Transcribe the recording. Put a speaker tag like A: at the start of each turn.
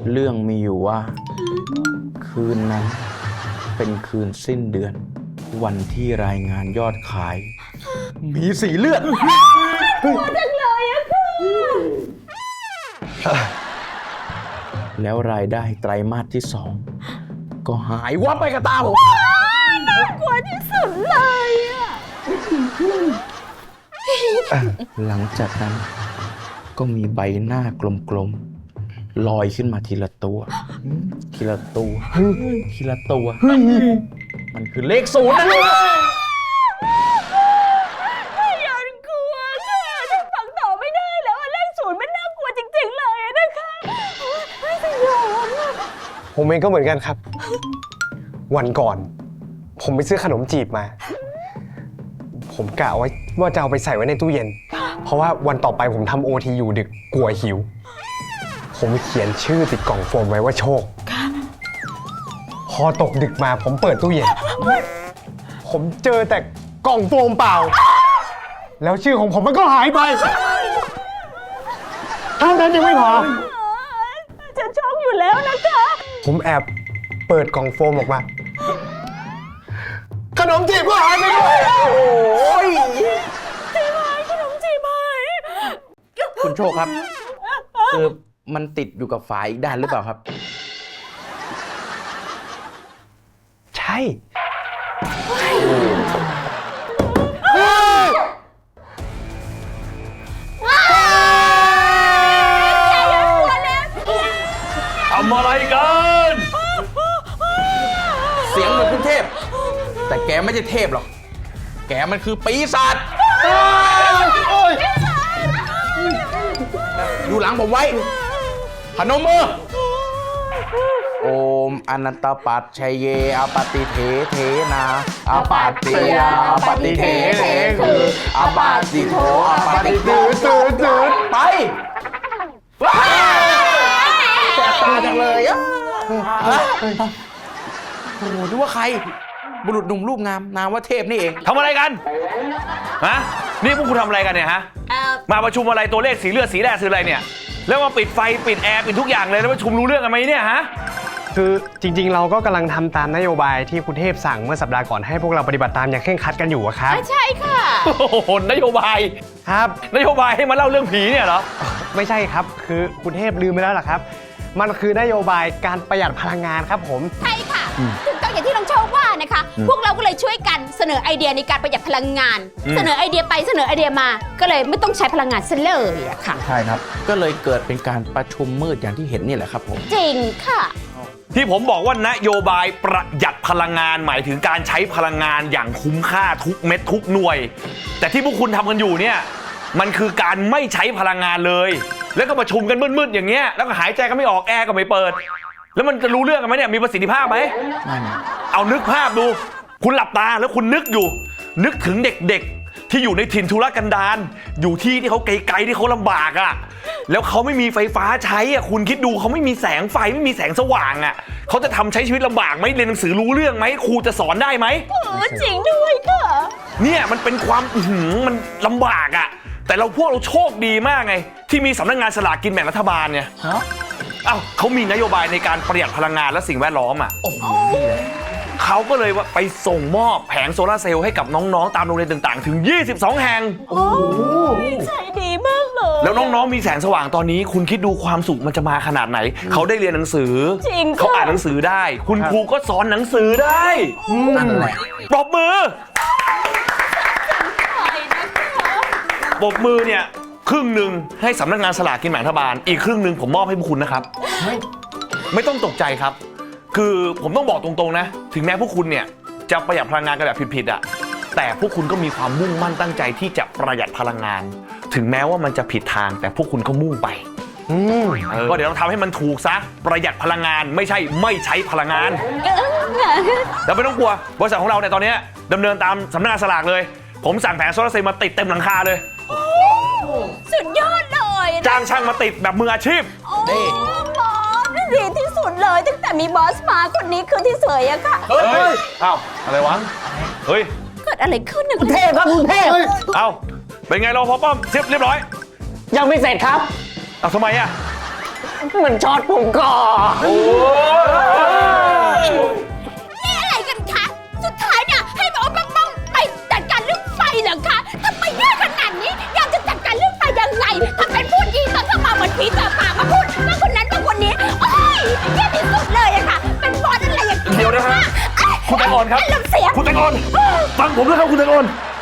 A: เรื่องมีอยู่ว่า คืนนั้นเป็นคืนสิ้นเดือน วันที่รายงานยอดขาย มีสีเลือดจังเลยอะค่ะแล้วรายได้ไตรมาสที่ 2ก็หายวับไปกับตาผม
B: น่ากลัวที่สุดเลยอะ
A: หลังจากนั้นก็มีใบหน้ากลมๆลอยขึ้นมาทีละตัวทีละตัวทีละตัวมันคือเลข0นะ
B: ยังกลัวค่ะฉันฟังต่อไม่ได้แล้วเลข0มันน่ากลัวจริงๆเลยนะคะไม่สยองอะ
C: ผมเองก็เหมือนกันครับ วันก่อนผมไปซื้อขนมจีบมา ผมกะไว้ว่าจะเอาไปใส่ไว้ในตู้เย็น เพราะว่าวันต่อไปผมทำ OT อยู่ดึกกลัวหิว ผมเขียนชื่อติดกล่องโฟมไว้ว่าโชค พอตกดึกมาผมเปิดตู้เย็น ผมเจอแต่กล่องโฟมเปล่า แล้วชื่อของผมมันก็หายไปเท่านั้นยังไม่พอ
B: ฉันช็อกอยู่แล้วนะคะ
C: ผมแอบเปิดกล่องโฟมออกมา ขนมจีบก็หายไปด้วยโอ้ย
B: ขนมจีบหาย
A: คุณโชคครับคือมันติดอยู่กับฝาอีกด้านหรือเปล่าครับ
C: ใช่
D: ทำอะไรกัน
A: เสียงเหมือนคุณเทพแต่แกไม่ใช่เทพหรอกแกมันคือปีศาจอยู่หลังผมไว้พนมมือโอมอนันตปัจชัยเยอปฏิเทเทนาอปัตติยาอปฏิเทเทคืออปาติโทอปฏิตืดไปแสบตาจังเลยอ่ะโอ้โหนึกว่าใครบุรุษหนุ่มรูปงามนามว่าเทพนี่เอง
D: ทำอะไรกันฮะนี่พวกคุณทำอะไรกันเนี่ยฮะมาประชุมอะไรตัวเลขสีเลือดสีแดงคืออะไรเนี่ยแล้วมาปิดไฟปิดแอร์ปิดทุกอย่างเลยแล้วประชุมรู้เรื่องกันไหมเนี่ยฮะ
C: คือจริงๆเราก็กำลังทำตามนโยบายที่คุณเทพสั่งเมื่อสัปดาห์ก่อนให้พวกเราปฏิบัติตามอย่างเคร่งครัดกันอยู่ครับ
B: ใช่ค่ะ
D: โอ้โหนโยบาย
C: ครับ
D: นโยบายให้มาเล่าเรื่องผีเนี่ยเหรอ
C: ไม่ใช่ครับคือคุณเทพลืมไปแล้วล่ะครับมันคือนโยบายการประหยัดพลังงานครับผม
B: ใช่ค่ะถูกต้องอย่างที่น้องโชคว่านะคะพวกเราก็เลยช่วยกันเสนอไอเดียในการประหยัดพลังงานเสนอไอเดียไปเสนอไอเดียมาก็เลยไม่ต้องใช้พลังงานซะเลยอะค่ะ
A: ใช่ครับก็เลยเกิดเป็นการประชุมมืดอย่างที่เห็นนี่แหละครับผม
B: จริงค่ะ
D: ที่ผมบอกว่านโยบายประหยัดพลังงานหมายถึงการใช้พลังงานอย่างคุ้มค่าทุกเม็ดทุกหน่วยแต่ที่พวกคุณทำกันอยู่เนี่ยมันคือการไม่ใช้พลังงานเลยแล้วก็ประชุมกันมืดๆอย่างเงี้ยแล้วก็หายใจก็ไม่ออกแอร์ก็ไม่เปิดแล้วมันจะรู้เรื่องกันไหมเนี่ยมีประสิทธิภาพไหมเอานึกภาพดูคุณหลับตาแล้วคุณนึกอยู่นึกถึงเด็กๆที่อยู่ในถิ่นทุรกันดารอยู่ที่เขาไกลๆที่เขาลำบากอ่ะแล้วเขาไม่มีไฟฟ้าใช้อ่ะคุณคิดดูเขาไม่มีแสงไฟไม่มีแสงสว่างอ่ะเขาจะทำใช้ชีวิตลำบากไหมเรียนหนังสือรู้เรื่องไหมครูจะสอนได้ไหม
B: จริงด้วยค่ะ
D: เนี่ยมันเป็นความมันลำบากอ่ะแต่พวกเราโชคดีมากไงที่มีสำนักงานสลากกินแบ่งรัฐบาลเนี่ยเขามีนโยบายในการประหยัดพลังงานและสิ่งแวดล้อมอ่ะเขาก็เลยว่าไปส่งมอบแผงโซลาร์เซลล์ให้กับน้องๆตามโรงเรียนต่างๆถึง22แห่ง
B: โอ้ใจดีมากเลย
D: แล้วน้องๆมีแสงสว่างตอนนี้คุณคิดดูความสุขมันจะมาขนาดไหนเขาได้เรียนหนังสือเขาอ่านหนังสือได้คุณครูก็สอนหนังสือได้
A: นั่นแหละ
D: ปรบมือปรบมือเนี่ยครึ่งหนึ่งให้สำนักงานสลากกินแบ่งรัฐบาลอีกครึ่งหนึ่งผมมอบให้พวกคุณนะครับไม่ต้องตกใจครับคือผมต้องบอกตรงๆนะถึงแม้พวกคุณเนี่ยจะประหยัดพลังงานกันแบบผิดๆอ่ะแต่พวกคุณก็มีความมุ่งมั่นตั้งใจที่จะประหยัดพลังงานถึงแม้ว่ามันจะผิดทางแต่พวกคุณก็มุ่งไปก็เดี๋ยวเราทำให้มันถูกซะประหยัดพลังงานไม่ใช่ไม่ใช้พลังงานแล้วไม่ต้องกลัวบริษัทของเราเนี่ยตอนนี้ดำเนินตามสำนักงานสลากเลยผมสั่งแผงโซลาร์เซลล์มาติดเต็มหลังคาเลย
B: สุดยอดเลย
D: จ้างช่างมาติดแบบมืออาชีพ
B: นี่บอสดีที่สุดเลยตั้งแต่มีบอสมาคนนี้คือที่สวยอะค่ะ
D: เฮ้ยอ้าวอะไรวะเฮ้ย
B: เกิดอะไรขึ้นนะ
C: คุณเทพครับคุณเทพ
D: เอ้าเป็นไงรปภป้อมเรียบร้อย
C: ยังไม่เสร็จครับ
D: ทำไมอะ
C: มันช็อตผมก่อน
B: นี่อะไรกันคะ สุดท้ายเนี่ยให้หมอบ้องไปจัดการเรื่องไฟเหรอคะทำไมยากขนาดนี้อยากจะจัดการเรื่องไฟยังไงทำเป็นพูดดีตอนเข้ามาเหมือนผีต่อปากมาพูดว่าคนนั้นว่าคนนี้โอ้ยแย่ที่สุดเลยอะค่ะ เป็นบอสอะไรอย่าง
D: เดี๋ยวนะฮะ คุณแตงอ่อนครับ
B: อารมณ์เสีย
D: คุณแตงอ่อนฟังผมด้วยครับคุณแตงอ่อน